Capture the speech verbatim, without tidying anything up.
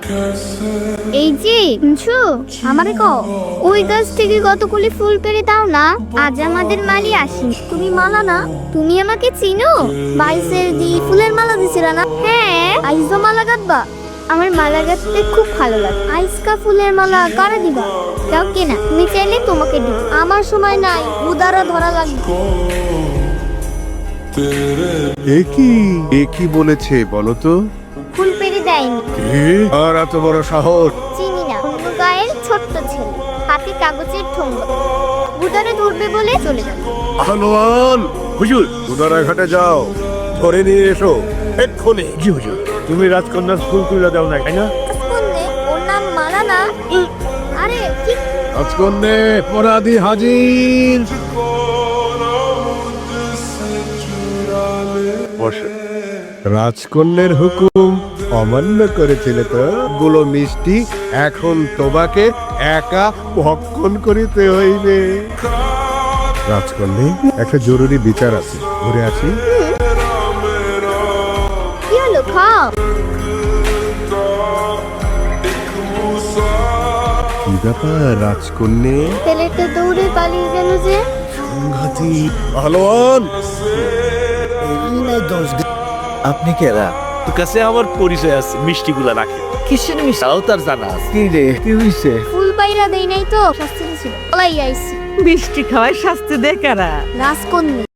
এই যে শুনছো আমারে কও ওই গাছ থেকে কতগুলি ফুল পেড়ে দাও না, আজ আমাদের মালি আসি। তুমি মালা না, তুমি আমাকে চিনো? বাইশের দি ফুলের মালা দিছিল না? হ্যাঁ, আইজো মালা গাঁথবা? আমার মালা গাঁথতে খুব ভালো লাগে। আইসকা ফুলের মালা কারা দিবা? যাও কেনা, তুমি চাইলে তোমাকে দিব। আমার সময় নাই, উদারা ধরা লাগবে। একই একই বলেছে বলো তো? ফুল পেড়ে দেয়নি। আর এত বড় সাহস! চিনি না, অন্য গায়ের ছোট্ট ছেলে, হাতে কাগজের ঠোঙ্গা, উদারে ধরবে বলে চলে যাবে। আহলোয়ান হুজুর, উদারা ঘাটে যাও, ধরে নিয়ে এসো এক্ষুনি। জি হুজুর। তুমি রাজকন্যার ফুল তুলে দাও না, তাই না? রাজকন্যে? ওর নাম মালা না? আরে কি রাজকন্যে অপরাধী হাজির। বসে। রাজকন্যের হুকুম অমান্য করেছিলে তো? গুলো মিষ্টি এখন তোমাকে একা ভক্ষণ করিতে হইবে। রাজকন্যে, একটা জরুরি বিচার আছে, ঘুরে আসি। কি হলো, খাও। কি ব্যাপার রাজকন্যে? ছেলেটা দৌড়ে পালিয়ে গেল যে। সংঘাতি পালোয়ান। আপনি কেরা? তোর কাছে আমার পরিচয় আছে, মিষ্টিগুলা রাখে। কিসের মিষ্টি তাও তার জানা আছে। কি রে, কি হইছে? ফুল পাইরা দেই নাই তো, শাস্তি ছিল। পলাই আইছি। মিষ্টি খাওয়ায় শাস্তি দেয় কারা? রাজকন্যা।